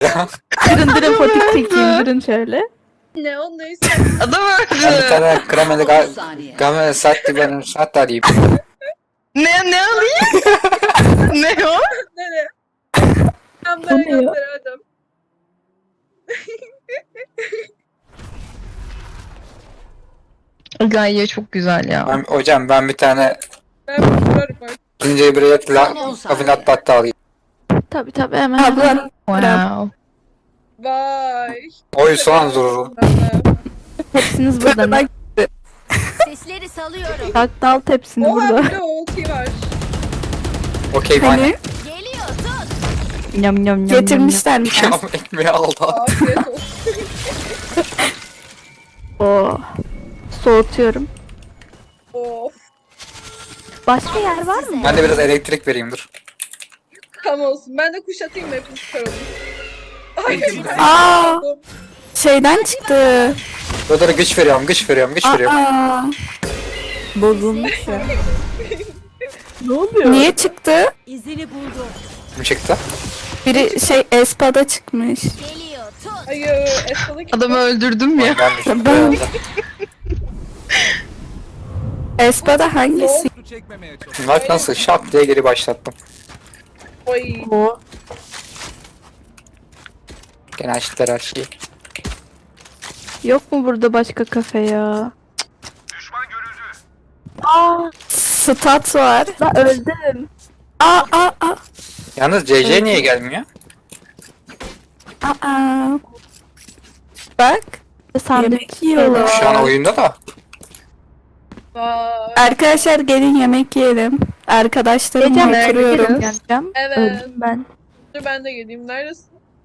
Durun fotik çekeyim durun şöyle. Ne o neyse. Adam Ben bir öldü. tane kremalı 30 saniye. game saatte benim saat alayım. Ne alayım? Ne o? Nereye? Ben Bu böyle ne ya? gönderemedim. Gaye çok güzel ya. Hocam ben bir tane Ben vurarım bak. zincir bilet Son 10 saniye. kafinat battı alayım. Tabii hemen. Abla Wow. Vay. Oy soğan dururum. Hepsiniz burada mı? Sesleri salıyorum. Bak dal hepsini Oha burada. bir de ulti var. Okey hani bana. Geliyor tut. Yam yam yam. getirmişler mi? Yam ekmeği aldı. Afiyet olsun. Oo. Soğutuyorum. Of. Başka yer var mı? Ben de biraz elektrik vereyim dur. Tam olsun. Ben de kuşatayım mı hepimiz çıkaralım. Ay. Aa, şeyden çıktı. Burada güç veriyorum, güç veriyorum, güç veriyorum. Aa, Bozulmuş ya. Ne oluyor? niye çıktı? İzini buldu. Kim çıktı? Biri şey Espa'da çıkmış. Geliyor tut. Hayır. Esmalı kim? Adamı öldürdüm ya. Ben düştüm. Ben- Espa'da hangisi? Bak nasıl şap diye geri başlattım. Oy. O. Gene açtılar her şeyi. Yok mu burada başka kafe ya? Aa, Stat var. la öldüm. Aa. Yalnız CC niye gelmiyor? Aa. Bak. Sandviç Yemek yiyorlar. Şu an oyunda da. Vay. Arkadaşlar gelin yemek yiyelim. Arkadaşlarımla Gece oturuyorum. geleceğim. Evet. Öldüm ben. Dur ben de geleyim. Neredesin?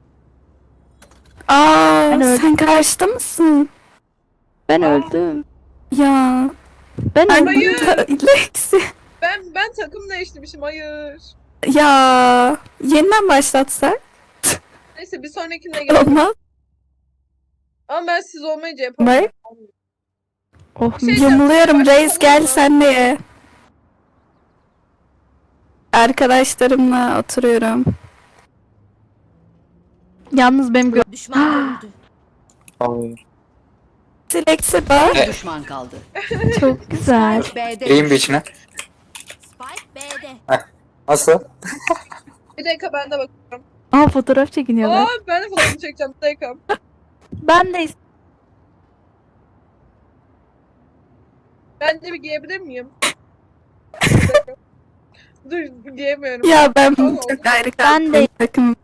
Aa, Ben öldüm. sen karşıda mısın? Ben Aa. öldüm. Ya. Ben Ben öldüm. Hayır. Lexi. Ben takım değiştirmişim. Hayır. Ya. Yeniden başlatsak Neyse bir sonrakine gelelim. olmaz. Ama ben siz olmayınca yapamam. Bak. Oh, Şey- Yumuluyorum reis gel sen de ye. Arkadaşlarımla oturuyorum. yalnız benim Düşman görüldü. Vallahi. Lexi bak. Bir düşman kaldı. çok güzel. B'de. Gireyim bir içine. Spike B'de. Nasıl? Bir dakika ben de bakıyorum. Aa fotoğraf çekiniyorlar. Aa ben de fotoğrafını çekeceğim. Bir dakika. Ben de Ben de bir giyebilir miyim? Dur giyemiyorum. Ya ben Tamam. çok ayrı Ben de- takım.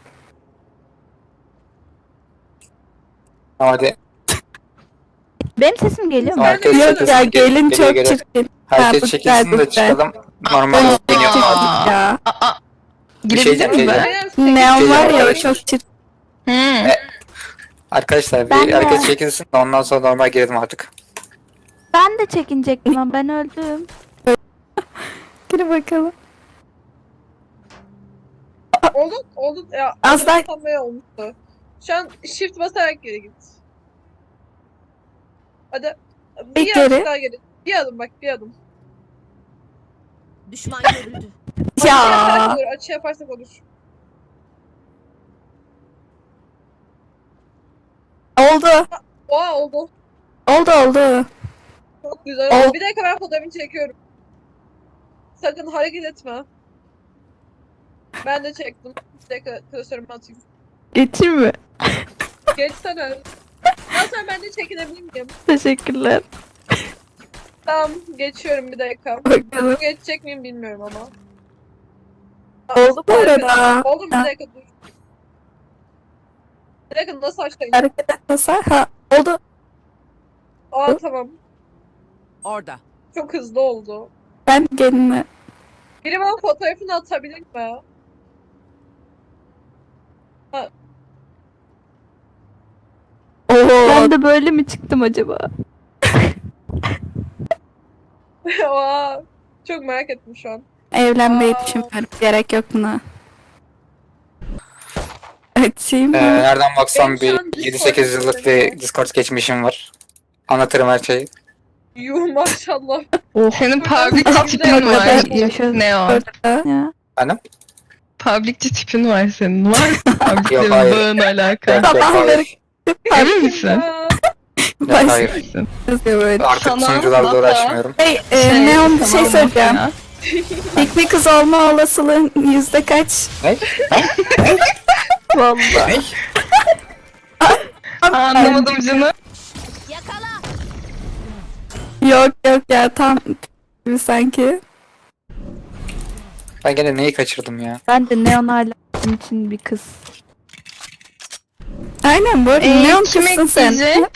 Hadi. benim sesim geliyor mu? Ben de Herkes biliyorum. Yok ya çekilsin. gelin çok Geriye. çirkin. Herkes bu çekilsin de güzel. çıkalım. Normal oynuyor. Ya. Bir şey Girebilir diyeceğim, miyim şey ben? Neon var ya o Geliyor. çok çirkin. Arkadaşlar Ben bir de. herkes çekilsin de ondan sonra normal girelim artık. Ben de çekinecektim ama ben öldüm. Gir bakalım. Oldu. Ya, Az daha- sanmaya olmuştu. Şu an shift basarak geri git. Hadi. Bir Bir adım geri. daha geri. Bir adım bak bir adım. Düşman görüldü. Açı Ya. yaparsak olur. Açı yaparsak olur. Oldu. Oha oldu. Oldu. Çok güzel oldu. Ol- Bir dakika ben fotoğrafını çekiyorum. Sakın hareket etme. Ben de çektim. Bir dakika klasörümü atayım. Geçeyim mi? Geçsene. Daha sonra ben de çekinebilir miyim? Teşekkürler. Tamam geçiyorum bir dakika. Bakalım. Geçecek miyim bilmiyorum ama. Oldu bu arada. Oldu bir dakika dur. Bir dakika nasıl açtın? Hareket etmesen. Ha oldu. Aa tamam. Orada. Çok hızlı oldu. Ben gelinle. Biri bana fotoğrafını atabilir mi? Oo. Ben de böyle mi çıktım acaba? Aa, çok merak ettim şu an. Evlenmeyi Aa. düşünmüyorum. Gerek yok buna. Açayım mı? Nereden baksam Benim şu bir an 7-8 yıllık bir Discord geçmişim var. Anlatırım her şeyi. Yuh maşallah. Senin parmak Buradan- tipin var. Yaşa. Ne o? Orada. Ya. Efendim? public'ci tipin var senin. Var mı? Public'le Yok, hayır. bağın alaka. Yok, yok, hayır. Emin misin? Aa, Yok, hayır. Misin? Yazıyor böyle. Artık Sana sunucularla baba. uğraşmıyorum. Hey, Neon bir şey tamam, söyleyeceğim. ya. Pikmi kız olma olasılığın yüzde kaç? Ne? Vallahi. Ne? Anlamadım canım. Yakala. Yok ya tam gibi sanki. Ben gene neyi kaçırdım ya? Ben de neon hala için bir kız. Aynen bu arada Neon Kim kızsın sen. ekleyecek?